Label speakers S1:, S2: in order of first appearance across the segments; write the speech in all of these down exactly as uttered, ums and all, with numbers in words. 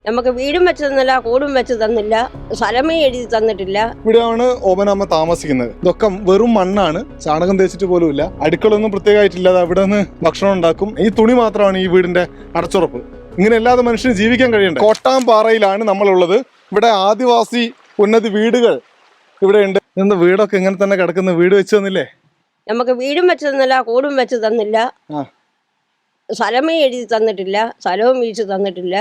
S1: നമുക്ക് വീടും വെച്ച് തന്നില്ല, കൂടും വെച്ച് തന്നില്ല, സ്ഥലമേ എഴുതി തന്നിട്ടില്ല.
S2: ഇവിടെയാണ് ഓമനമ്മ താമസിക്കുന്നത്. ഇതൊക്കെ വെറും മണ്ണാണ്, ചാണകം തേച്ചിട്ട് പോലുമില്ല. അടുക്കളൊന്നും പ്രത്യേകമായിട്ടില്ല. അവിടെ നിന്ന് ഭക്ഷണം ഉണ്ടാക്കും. ഈ തുണി മാത്രമാണ് ഈ വീടിന്റെ അടച്ചുറപ്പ്. ഇങ്ങനെ അല്ലാതെ മനുഷ്യന് ജീവിക്കാൻ കഴിയണ്ടേ. കോട്ടാമ്പാറയിലാണ് നമ്മളുള്ളത്. ഇവിടെ ആദിവാസി ഉന്നതി വീടുകൾ ഇവിടെ ഉണ്ട്. ഇന്ന് വീടൊക്കെ ഇങ്ങനെ തന്നെ കിടക്കുന്ന. വീട് വെച്ച് തന്നില്ലേ?
S1: നമുക്ക് വീടും വെച്ച് തന്നില്ല, കൂടും വെച്ച് തന്നില്ല, സ്ഥലമേ എഴുതി തന്നിട്ടില്ല, സ്ഥലവും വീഴ്ച തന്നിട്ടില്ല.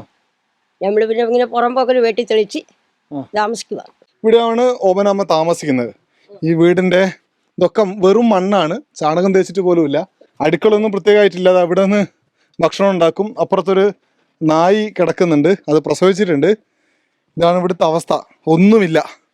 S1: നമ്മൾ പിന്നെ ഇങ്ങനെ പുറമ്പോക്കൽ വെട്ടി തെളിച്ച് താമസിക്കുക.
S2: ഇവിടെയാണ് ഓമനമ്മ താമസിക്കുന്നത്. ഈ വീടിന്റെ ഇതൊക്കെ വെറും മണ്ണാണ്, ചാണകം തേച്ചിട്ട് പോലുമില്ല. അടുക്കളൊന്നും പ്രത്യേകമായിട്ടില്ല. അവിടെ നിന്ന് ഭക്ഷണം ഉണ്ടാക്കും. അപ്പുറത്തൊരു നായി കിടക്കുന്നുണ്ട്, അത് പ്രസവിച്ചിട്ടുണ്ട്. ഇതാണ് ഇവിടുത്തെ അവസ്ഥ. ഒന്നുമില്ല.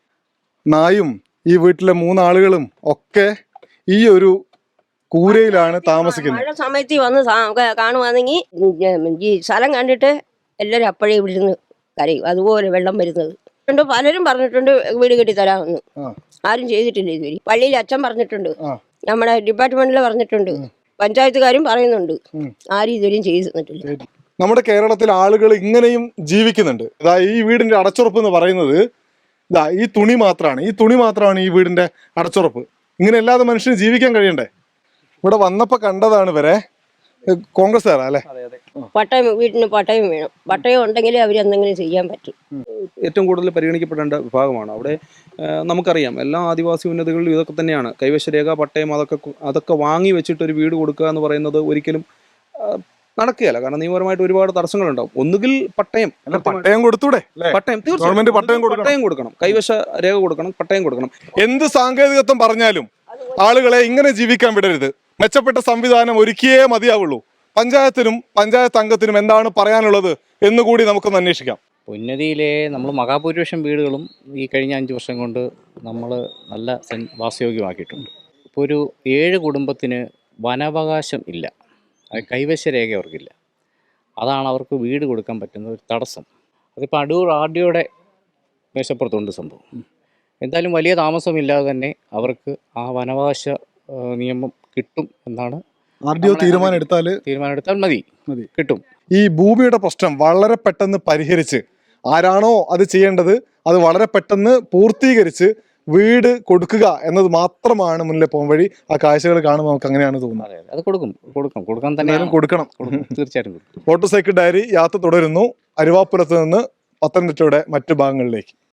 S2: നായും ഈ വീട്ടിലെ മൂന്നാളുകളും ഒക്കെ ഈ ഒരു കൂരയിലാണ് താമസിക്കുന്നത്.
S1: മഴ സമയത്ത് വന്ന് കാണുവാണെങ്കിൽ ഈ സ്ഥലം കണ്ടിട്ട് എല്ലാവരും അപ്പോഴേ ഇവിടെ നിന്ന് കരയും. അതുപോലെ വെള്ളം വരുന്നത് ഉണ്ട്. പലരും പറഞ്ഞിട്ടുണ്ട് വീട് കെട്ടി തരാമെന്ന്. ആരും ചെയ്തിട്ടില്ല ഇതുവരെ. പള്ളിയിൽ അച്ഛൻ പറഞ്ഞിട്ടുണ്ട്, നമ്മുടെ ഡിപ്പാർട്ട്മെന്റിൽ പറഞ്ഞിട്ടുണ്ട്, പഞ്ചായത്തുകാരും പറയുന്നുണ്ട്. ആരും ഇതുവരെയും ചെയ്തു തന്നിട്ടില്ല.
S2: നമ്മുടെ കേരളത്തിൽ ആളുകൾ ഇങ്ങനെയും ജീവിക്കുന്നുണ്ട്. ഇതാ ഈ വീടിന്റെ അടച്ചുറപ്പ് എന്ന് പറയുന്നത് ഇതാ ഈ തുണി മാത്രമാണ്. ഈ തുണി മാത്രമാണ് ഈ വീടിന്റെ അടച്ചുറപ്പ്. ഇങ്ങനെ അല്ലാതെ മനുഷ്യന് ജീവിക്കാൻ കഴിയണ്ടേ. ഇവിടെ വന്നപ്പോ കണ്ടതാണ് ഇവരെ. കോൺഗ്രസ്സുകാരാ അല്ലേ?
S1: പട്ടയം, വീട്ടിന് പട്ടയം വേണം. പട്ടയം ഉണ്ടെങ്കിലേ അവർ എന്തെങ്കിലും ചെയ്യാൻ പറ്റും.
S3: ഏറ്റവും കൂടുതൽ പരിഗണിക്കപ്പെടേണ്ട വിഭാഗമാണ്. അവിടെ നമുക്കറിയാം എല്ലാ ആദിവാസി ഉന്നതികളിലും ഇതൊക്കെ തന്നെയാണ്. കൈവശരേഖ, പട്ടയം, അതൊക്കെ അതൊക്കെ വാങ്ങി വെച്ചിട്ട് ഒരു വീട് കൊടുക്കുക എന്ന് പറയുന്നത് ഒരിക്കലും നടക്കുകയല്ല. കാരണം നിയമപരമായിട്ട് ഒരുപാട് തടസ്സങ്ങളുണ്ടാവും. ഒന്നുകിൽ പട്ടയം
S2: പട്ടയം കൊടുത്തൂടെ?
S3: പട്ടയം തീർച്ചയായും പട്ടയം കൊടുക്കണം, കൈവശ രേഖ കൊടുക്കണം, പട്ടയം കൊടുക്കണം.
S2: എന്ത് സാങ്കേതികത്വം പറഞ്ഞാലും ആളുകളെ ഇങ്ങനെ ജീവിക്കാൻ വിടരുത്. മെച്ചപ്പെട്ട സംവിധാനം ഒരുക്കിയേ മതിയാവുള്ളൂ. പഞ്ചായത്തിനും പഞ്ചായത്ത് അംഗത്തിനും എന്താണ് പറയാനുള്ളത് എന്നുകൂടി നമുക്കൊന്ന് അന്വേഷിക്കാം.
S4: ഉന്നതിയിലെ നമ്മൾ മഹാഭൂരിപക്ഷം വീടുകളും ഈ കഴിഞ്ഞ അഞ്ച് വർഷം കൊണ്ട് നമ്മൾ നല്ല വാസയോഗ്യമാക്കിയിട്ടുണ്ട്. ഇപ്പോൾ ഒരു ഏഴ് കുടുംബത്തിന് വനാവകാശം ഇല്ല, അത് കൈവശ രേഖ അവർക്കില്ല. അതാണ് അവർക്ക് വീട് കൊടുക്കാൻ പറ്റുന്ന ഒരു തടസ്സം. അതിപ്പോൾ അടൂർ ആർ ഡിയുടെ മേശപ്പുറത്തുണ്ട് സംഭവം. എന്തായാലും വലിയ താമസമില്ലാതെ തന്നെ അവർക്ക് ആ വനാവകാശ നിയമം കിട്ടും എന്നാണ്.
S2: ആർ ഡി ഒ തീരുമാനം എടുത്താൽ
S4: തീരുമാനം എടുത്താൽ മതി മതി കിട്ടും.
S2: ഈ ഭൂമിയുടെ പ്രശ്നം വളരെ പെട്ടെന്ന് പരിഹരിച്ച് ആരാണോ അത് ചെയ്യേണ്ടത് അത് വളരെ പെട്ടെന്ന് പൂർത്തീകരിച്ച് വീട് കൊടുക്കുക എന്നത് മാത്രമാണ് മുന്നിലെ പോകാൻ വഴി. ആ കാഴ്ചകൾ കാണുമ്പോൾ നമുക്ക് അങ്ങനെയാണ് തോന്നുന്നത്.
S4: അത് കൊടുക്കും കൊടുക്കും കൊടുക്കാൻ തന്നെ
S2: കൊടുക്കണം.
S4: തീർച്ചയായിട്ടും കൊടുക്കും.
S2: മോട്ടോർ സൈക്കിൾ ഡയറി യാത്ര തുടരുന്നു. അരുവാപ്പുറത്ത് നിന്ന് പത്തനംതിട്ടയുടെ മറ്റു ഭാഗങ്ങളിലേക്ക്.